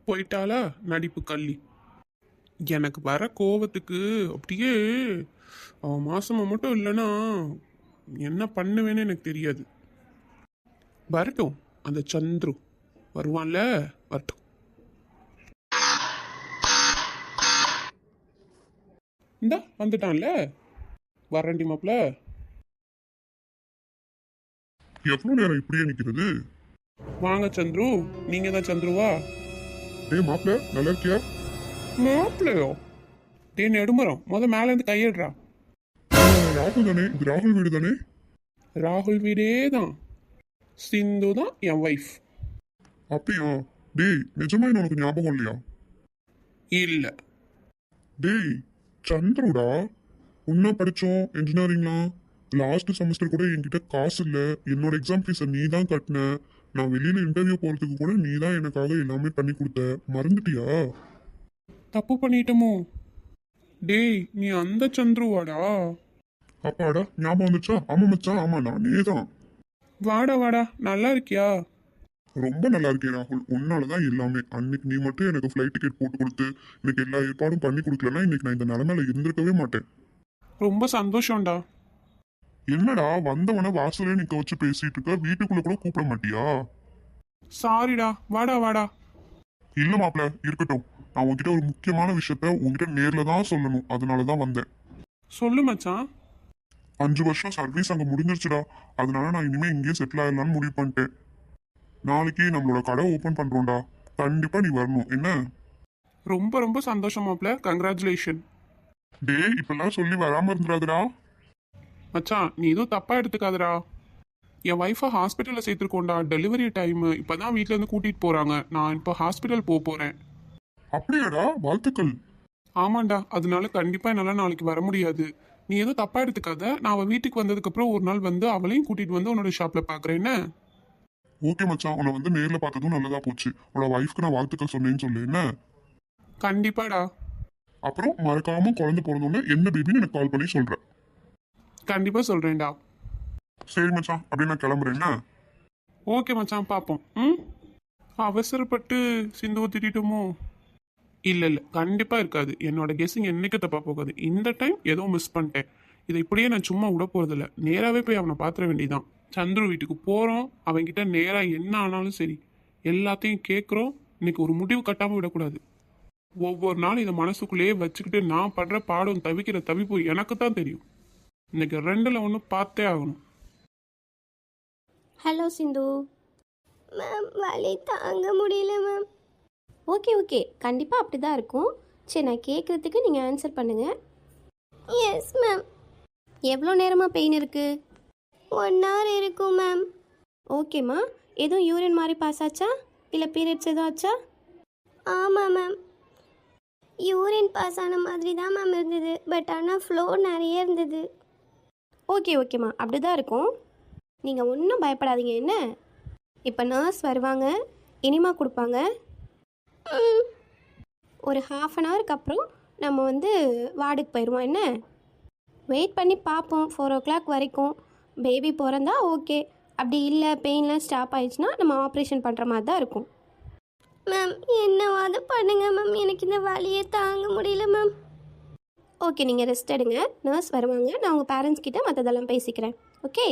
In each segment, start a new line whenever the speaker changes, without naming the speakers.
போயிட்டாளா நடிப்பு கள்ளி. எனக்கு வர கோவத்துக்கு அப்படியே அவன் மாசமா மட்டும் இல்லைன்னா என்ன பண்ணுவேன்னு எனக்கு தெரியாது. வரட்டும், அந்த சந்துரு வருவான்ல, வரட்டும். இந்த வந்துட்டான்ல, வரண்டி மாப்ள.
எவ்வளவு நேரம் இப்படியே நிக்கிறது?
வாங்க சந்துரு, நீங்க தான் சந்துருவா?
டேய் மாப்ள, நல்லா இருக்கியா?
மாப்பிள்ளையோ? டே நெடுமரம், மேல இருந்து கையிடுறா.
ராகுல் தானே? இது ராகுல் வீடு தானே?
ராகுல் வீடே தான். சிந்து தான் என் ஒய்ஃப்.
அப்படியா? டேய் நிஜமா உனக்கு ஞாபகம் இல்லையா?
இல்ல.
டேய் சந்துருடா, ஒன்னா படிச்சோம் இன்ஜினியரிங்லாம். லாஸ்ட் செமஸ்டர் கூட என்கிட்ட காசு இல்லை, என்னோட எக்ஸாம் ஃபீஸை நீ தான் கட்டின. நான் வெளியில இன்டர்வியூ போறதுக்கு கூட நீ தான் எனக்காக எல்லாமே பண்ணி கொடுத்த. மறந்துட்டியா?
தப்பு பண்ணிட்டோமோ? டேய் நீ அந்த சந்துருவாடா?
அப்பாடா ஞாபகம் வந்துச்சா? ஆமா மச்சான், ஆமா நானே தான்.
வாடா வாடா, நல்லா இருக்கியா?
ரொம்ப நல்லா இருக்கேன் ராகுல், உன்னாலதான் எல்லாமே. அன்னைக்கு நீ மட்டும் எனக்கு ஃப்ளைட் டிக்கெட் போட்டு கொடுத்து எனக்கு எல்லா ஏற்பாடும் பண்ணி கொடுக்கலன்னா இன்னைக்கு நான் இந்த நிலைமையில இருந்திருக்கவே மாட்டேன்.
ரொம்ப சந்தோஷம்டா.
என்னடா வந்தவன வாசலே நிக்க வச்சு பேசிட்டு இருக்க, வீட்டுக்குள்ள கூட கூப்பிட மாட்டியா?
சாரிடா, வாடா வாடா.
இல்ல மாப்ள, இருக்கட்டும். நான் உன்கிட்ட ஒரு முக்கியமான விஷயத்த உன்கிட்ட நேர்ல தான் சொல்லணும், அதனாலதான் வந்தேன்.
சொல்லு மச்சான்.
5 வருஷம் சர்வீஸ் அங்க முடிஞ்சிருச்சுடா. அதனால நான் இனிமே இங்கேயே செட்டில் ஆயிடலாம்னு முடிவு பண்ணிட்டேன். நாளைக்கு நம்மளோட கடை ஓபன் பண்றோம்டா, கண்டிப்பா நீ வரணும் என்ன?
ரொம்ப ரொம்ப சந்தோஷம் மாப்ள, கங்க்ராச்சுலேஷன்.
டேய் இப்பெல்லாம் சொல்லி வராம இருந்துடாதுடா.
மச்சான் நீ எதுவும் தப்பா எடுத்துக்காதடா. என் ஒய்ஃபை ஹாஸ்பிட்டலில் சேர்த்துருக்கோண்டா. டெலிவரி டைமு இப்போதான் வீட்டிலேருந்து கூட்டிகிட்டு போகிறாங்க. நான் இப்போ ஹாஸ்பிட்டல் போகிறேன்.
அப்படியாடா? வாழ்த்துக்கள்.
ஆமாண்டா, அதனால கண்டிப்பாக என்னால் நாளைக்கு வர முடியாது. நீ எதுவும் தப்பாக எடுத்துக்காத. நான் அவள் வீட்டுக்கு வந்ததுக்கப்புறம் ஒரு நாள் வந்து அவளையும் கூட்டிகிட்டு வந்து உன்னோட ஷாப்பில் பார்க்குறேன் என்ன?
ஓகே மச்சான், உன்னை வந்து நேர்ல பார்த்ததும் நல்லதா போச்சு. உன்னோட ஒய்ஃப்க்கு நான் வாழ்த்துக்கள் சொன்னேன்னு சொல்லு என்ன?
கண்டிப்பாடா.
அப்புறம் மறக்காம குழந்தை பிறந்தோடனே என்ன பேபின்னு எனக்கு கால் பண்ணி சொல்றேன்.
கண்டிப்பாக சொல்கிறேன்டா.
சரி மச்சான், அப்படியே நான் கிளம்புறேன் என்ன?
ஓகே மச்சான், பார்ப்போம். ம், அவசரப்பட்டு சிந்துவை திட்டோமோ? இல்லை இல்லை, கண்டிப்பாக இருக்காது. என்னோட கெஸ்ஸிங் என்னைக்கு தப்பாக போகாது. இந்த டைம் ஏதோ மிஸ் பண்ணிட்டேன். இதை இப்படியே நான் சும்மா விட போகிறதில்ல. நேராகவே போய் அவனை பார்த்துட வேண்டியதான். சந்துரு வீட்டுக்கு போகிறோம், அவன்கிட்ட நேராக என்ன ஆனாலும் சரி எல்லாத்தையும் கேட்குறோம். இன்னைக்கு ஒரு முடிவு கட்டாமல் விடக்கூடாது. ஒவ்வொரு நாளும் இதை மனசுக்குள்ளேயே வச்சுக்கிட்டு நான் படுற பாடம் தவிக்கிற தவிப்பு எனக்கு தான் தெரியும். இன்னைக்கு 2ல் 1 பார்த்தே ஆகணும்.
ஹலோ சிந்து.
மேம் வலி தாங்க முடியல மேம்.
ஓகே ஓகே, கண்டிப்பாக அப்படி தான் இருக்கும். சரி, நான் கேட்குறதுக்கு நீங்கள் ஆன்சர் பண்ணுங்கள்.
Yes ma'am.
எவ்வளோ நேரமாக பெயின் இருக்குது?
1 hour இருக்கும் மேம்.
ஓகேம்மா. எதுவும் யூரின் மாதிரி பாஸ் ஆச்சா, இல்லை பீரியட்ஸ் எதுவும் ஆச்சா?
ஆமாம் மேம், யூரின் பாஸ் ஆன மாதிரி தான் மேம் இருந்தது. பட் ஆனால் ஃப்ளோ நிறைய இருந்தது.
ஓகே ஓகேம்மா, அப்படி தான் இருக்கும். நீங்கள் ஒன்றும் பயப்படாதீங்க என்ன. இப்போ நர்ஸ் வருவாங்க, இனிமா கொடுப்பாங்க. ஒரு 1/2 hourக்கு அப்புறம் நம்ம வந்து வார்டுக்கு போயிடுவோம் என்ன. வெயிட் பண்ணி பார்ப்போம் 4 o'clock வரைக்கும். பேபி பிறந்தா ஓகே, அப்படி இல்லை பெயின்லாம் ஸ்டாப் ஆயிடுச்சுன்னா நம்ம ஆப்ரேஷன் பண்ணுற மாதிரி தான் இருக்கும்.
மேம் என்னவாது பண்ணுங்க மேம், எனக்கு இந்த வலியை தாங்க முடியல மேம்.
ஓகே, நீங்கள் ரெஸ்ட் எடுங்க. நர்ஸ் வருவாங்க, நான் உங்கள் பேரண்ட்ஸ் கிட்ட மற்றதெல்லாம் பேசிக்கிறேன். ஓகே.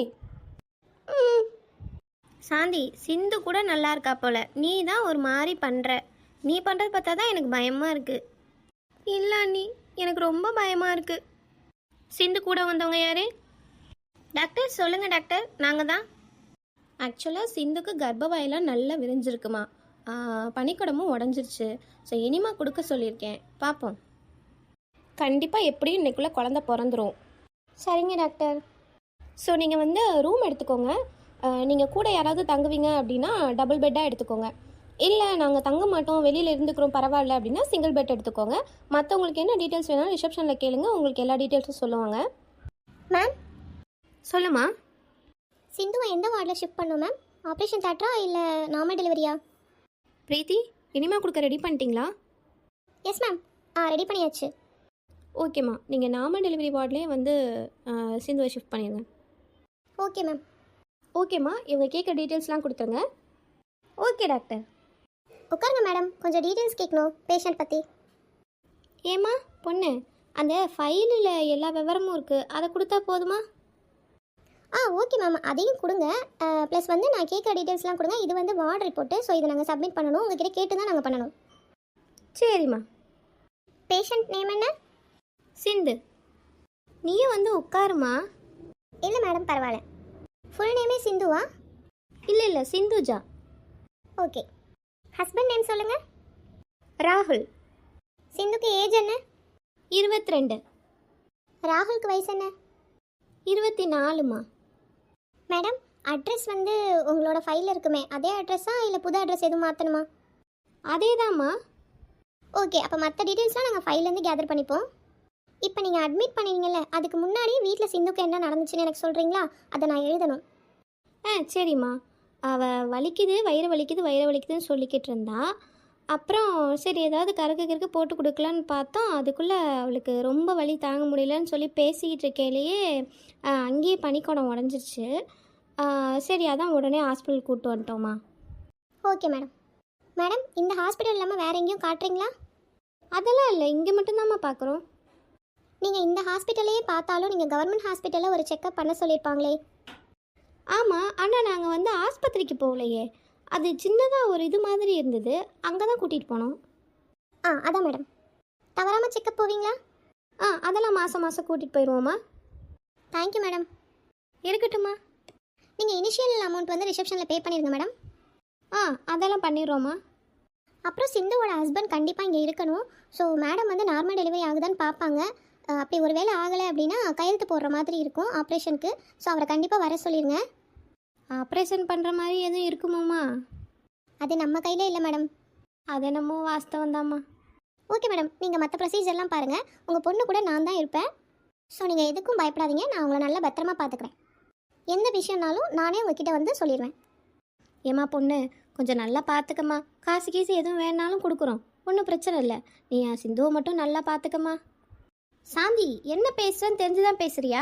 சாந்தி, சிந்து கூட நல்லா இருக்கா போல. நீ தான் ஒரு மாதிரி பண்ணுற. நீ பண்ணுறது பார்த்தா தான் எனக்கு பயமாக இருக்குது. இல்லை நீ, எனக்கு ரொம்ப பயமாக இருக்குது.
சிந்து கூட வந்தவங்க யார்?
டாக்டர் சொல்லுங்கள் டாக்டர், நாங்கள் தான்.
ஆக்சுவலாக சிந்துக்கு கர்ப்பவாயெல்லாம் நல்லா விரிஞ்சிருக்குமா, பனிக்குடமும் உடஞ்சிருச்சு. ஸோ இனிமா கொடுக்க சொல்லியிருக்கேன், பார்ப்போம். கண்டிப்பாக எப்படியும் இன்னைக்குள்ளே குழந்த பிறந்துடும்.
சரிங்க டாக்டர்.
ஸோ நீங்கள் வந்து ரூம் எடுத்துக்கோங்க. நீங்கள் கூட யாராவது தங்குவீங்க அப்படின்னா டபுள் பெட்டாக எடுத்துக்கோங்க. இல்லை நாங்கள் தங்க மாட்டோம், வெளியில் இருந்துக்கிறோம் பரவாயில்ல அப்படின்னா சிங்கிள் பெட் எடுத்துக்கோங்க. மற்றவங்களுக்கு என்ன டீட்டெயில்ஸ் வேணாலும் ரிசப்ஷனில் கேளுங்க, உங்களுக்கு எல்லா டீட்டெயில்ஸும் சொல்லுவாங்க.
மேம்
சொல்லுமா.
சிந்துவை எந்த வார்டில் ஷிஃப்ட் பண்ணோம் மேம்? ஆப்ரேஷன் தேட்டரா இல்லை நார்மல் டெலிவரியா?
பிரீத்தி, இனிமா கொடுக்க ரெடி பண்ணிட்டீங்களா?
எஸ் மேம், ரெடி பண்ணியாச்சு.
ஓகேம்மா, நீங்கள் நார்மல் டெலிவரி வார்ட்லேயே வந்து சிந்துவை ஷிஃப்ட் பண்ணிடுங்க.
Okay ma'am.
ஓகேம்மா, இவங்க கேட்குற டீட்டெயில்ஸ்லாம் கொடுத்துருங்க.
Okay doctor.
உட்காருங்க மேடம், கொஞ்சம் டீட்டெயில்ஸ் கேட்கணும் பேஷண்ட் பற்றி.
ஏம்மா பொண்ணு, அந்த ஃபைலில் எல்லா விவரமும் இருக்குது, அதை கொடுத்தா போதுமா?
ஓகே மேம், அதையும் கொடுங்க. ப்ளஸ் வந்து நான் கேட்குற டீட்டெயில்ஸ்லாம் கொடுங்க. இது வந்து வார்டு ரிப்போர்ட்டு, ஸோ இதை நாங்கள் சப்மிட் பண்ணணும். உங்ககிட்ட கேட்டு தான் நாங்கள் பண்ணணும்.
சரிம்மா.
பேஷண்ட் நேம் என்ன?
சிந்து. நீயும் வந்து உட்காருமா.
இல்லை மேடம், பரவாயில்ல. ஃபுல் நேமே சிந்துவா?
இல்லை சிந்துஜா.
ஓகே. ஹஸ்பண்ட் நேம் சொல்லுங்கள்.
ராகுல்.
சிந்துக்கு ஏஜ் என்ன?
22.
ராகுலுக்கு வயசு என்ன?
24மா.
மேடம், அட்ரஸ் வந்து உங்களோட ஃபைலில் இருக்குமே அதே அட்ரஸா இல்லை புது அட்ரஸ் எதுவும் மாற்றணுமா?
அதேதாம்மா.
ஓகே, அப்போ மற்ற டீட்டெயில்ஸ்லாம் நாங்கள் ஃபைல்லேருந்து கேதர் பண்ணிப்போம். இப்போ நீங்கள் அட்மிட் பண்ணுவீங்கல்ல, அதுக்கு முன்னாடி வீட்டில் சிந்துக்கு என்ன நடந்துச்சுன்னு எனக்கு சொல்கிறீங்களா? அதை நான் எழுதணும்.
சரிம்மா. அவள் வயிறு வலிக்குதுன்னு சொல்லிக்கிட்டு இருந்தா. அப்புறம் சரி ஏதாவது கருக்கு போட்டு கொடுக்கலான்னு பார்த்தோம். அதுக்குள்ளே அவளுக்கு ரொம்ப வலி தாங்க முடியலன்னு சொல்லி பேசிக்கிட்டு இருக்கையிலேயே அங்கேயே பனிக்கூடம் உடஞ்சிருச்சு. சரி அதான் உடனே ஹாஸ்பிட்டல் கூப்பிட்டு வந்துட்டோம்மா.
Okay madam. மேடம், இந்த ஹாஸ்பிட்டல் இல்லாமல் வேறு எங்கேயும் காட்டுறீங்களா?
அதெல்லாம் இல்லை, இங்கே மட்டும்தாம்மா பார்க்குறோம்.
நீங்கள் இந்த ஹாஸ்பிட்டலையே பார்த்தாலும் நீங்கள் கவர்மெண்ட் ஹாஸ்பிட்டலில் ஒரு செக்கப் பண்ண சொல்லியிருப்பாங்களே.
ஆமாம், ஆனால் நாங்கள் வந்து ஆஸ்பத்திரிக்கு போகலையே. அது சின்னதாக ஒரு இது மாதிரி இருந்தது, அங்கே தான் கூட்டிகிட்டு போனோம்.
அதான் மேடம். தவறாமல் செக்கப் போவீங்களா?
அதெல்லாம் மாதம் கூட்டிகிட்டு போயிடுவோம்மா.
Thank you madam.
இருக்கட்டும்மா.
நீங்கள் இனிஷியல் அமௌண்ட் வந்து ரிசப்ஷனில் பே பண்ணிடுங்க மேடம்.
அதெல்லாம் பண்ணிடுறோம்மா.
அப்புறம் சிந்துவோட ஹஸ்பண்ட் கண்டிப்பாக இங்கே இருக்கணும். ஸோ மேடம் வந்து நார்மல் டெலிவரி ஆகுதான்னு பார்ப்பாங்க. அப்படி ஒரு வேளை ஆகலை அப்படின்னா கையெழுத்து போடுற மாதிரி இருக்கும் ஆப்ரேஷனுக்கு. ஸோ அவரை கண்டிப்பாக வர சொல்லிடுங்க.
ஆப்ரேஷன் பண்ணுற மாதிரி எதுவும் இருக்குமாம்மா?
அது நம்ம கையில் இல்லை மேடம்.
அது என்னமோ வாஸ்தவம் தாம்மா.
ஓகே மேடம், நீங்கள் மற்ற ப்ரொசீஜர்லாம் பாருங்கள். உங்கள் பொண்ணு கூட நான் தான் இருப்பேன். ஸோ நீங்கள் எதுக்கும் பயப்படாதீங்க. நான் உங்களை நல்லா பத்திரமா பார்த்துக்கிறேன். எந்த விஷயம்னாலும் நானே உங்ககிட்ட வந்து சொல்லிடுவேன்.
ஏம்மா பொண்ணு, கொஞ்சம் நல்லா பார்த்துக்கம்மா. காசு எதுவும் வேணாலும் கொடுக்குறோம், ஒன்றும் பிரச்சனை இல்லை. நீ என் சிந்துவை மட்டும் நல்லா பார்த்துக்கம்மா. சாந்தி, என்ன பேசுகிறேன்னு தெரிஞ்சுதான் பேசுறியா?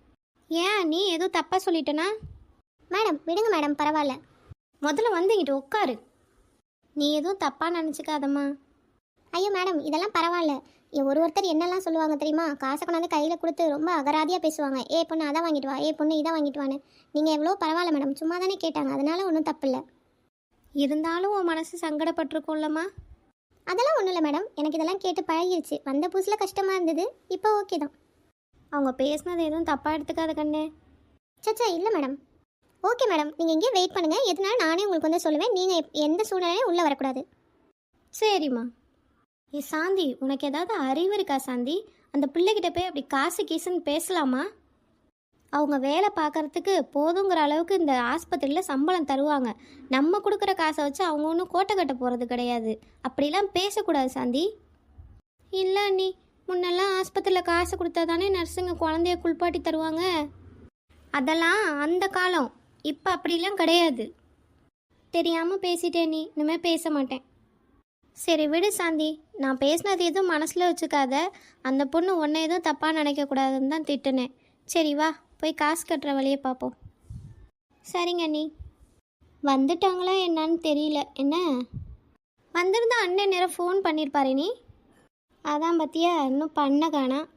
ஏன் நீ எதுவும் தப்பாக சொல்லிட்டேனா?
மேடம் விடுங்க மேடம், பரவாயில்ல.
முதல்ல வந்து இங்கிட்ட உட்காரு. நீ எதுவும் தப்பாக நினச்சிக்காதம்மா.
ஐயோ மேடம், இதெல்லாம் பரவாயில்ல. ஒருத்தர் என்னெல்லாம் சொல்லுவாங்க தெரியுமா? காசை கொண்டாந்து கையில் கொடுத்து ரொம்ப அகராதியாக பேசுவாங்க. பொண்ணு அதை வாங்கிட்டு வா, பொண்ணு இதை வாங்கிட்டு வான்னு. நீங்கள் எவ்வளோ பரவாயில்ல மேடம், சும்மா தானே கேட்டாங்க, அதனால ஒன்றும் தப்பு இல்லை.
இருந்தாலும் உன் மனசு சங்கடப்பட்டிருக்கோம்லம்மா.
அதெல்லாம் ஒன்றும் இல்லை மேடம், எனக்கு இதெல்லாம் கேட்டு பழகிடுச்சு. வந்த புதுசில் கஷ்டமாக இருந்தது, இப்போ ஓகே தான்.
அவங்க பேசுனது எதுவும் தப்பாக எடுத்துக்காத கண்ணே.
சச்சா இல்லை மேடம். ஓகே மேடம், நீங்கள் இங்கே வெயிட் பண்ணுங்கள். எதுனாலும் நானே உங்களுக்கு வந்து சொல்லுவேன். நீங்கள் எந்த சூழ்நிலையும் உள்ளே வரக்கூடாது.
சரிம்மா. சாந்தி, உனக்கு ஏதாவது அறிவு இருக்கா சாந்தி? அந்த பிள்ளைகிட்ட போய் அப்படி காசு கீசுன்னு பேசலாமா? அவங்க வேலை பார்க்குறதுக்கு போதுங்கிற அளவுக்கு இந்த ஆஸ்பத்திரியில் சம்பளம் தருவாங்க. நம்ம கொடுக்குற காசை வச்சு அவங்க ஒன்றும் கோட்டை கட்ட போகிறது கிடையாது. அப்படிலாம் பேசக்கூடாது சாந்தி. இல்லை நீ முன்னெல்லாம் ஆஸ்பத்திரியில் காசு கொடுத்தா தானே நர்ஸுங்க குழந்தைய குளிப்பாட்டி தருவாங்க. அதெல்லாம் அந்த காலம். இப்போ அப்படிலாம் கிடையாது. தெரியாமல் பேசிட்டேன் நீ, இனிமேல் பேச மாட்டேன். சரி விடு சாந்தி, நான் பேசினது எதுவும் மனசில் வச்சுக்காத. அந்த பொண்ணு உன்னை எதுவும் தப்பாக நினைக்கக்கூடாதுன்னு தான் திட்டுனேன். சரி வா, போய் காசு கட்டுற வழியை பார்ப்போம். சரிங்க நீ. வந்துட்டாங்களா என்னன்னு தெரியல. என்ன வந்திருந்தா அண்ணன் நேரம் ஃபோன் பண்ணியிருப்பாரு நீ. அதான் பத்தியா இன்னும் பண்ண காணா.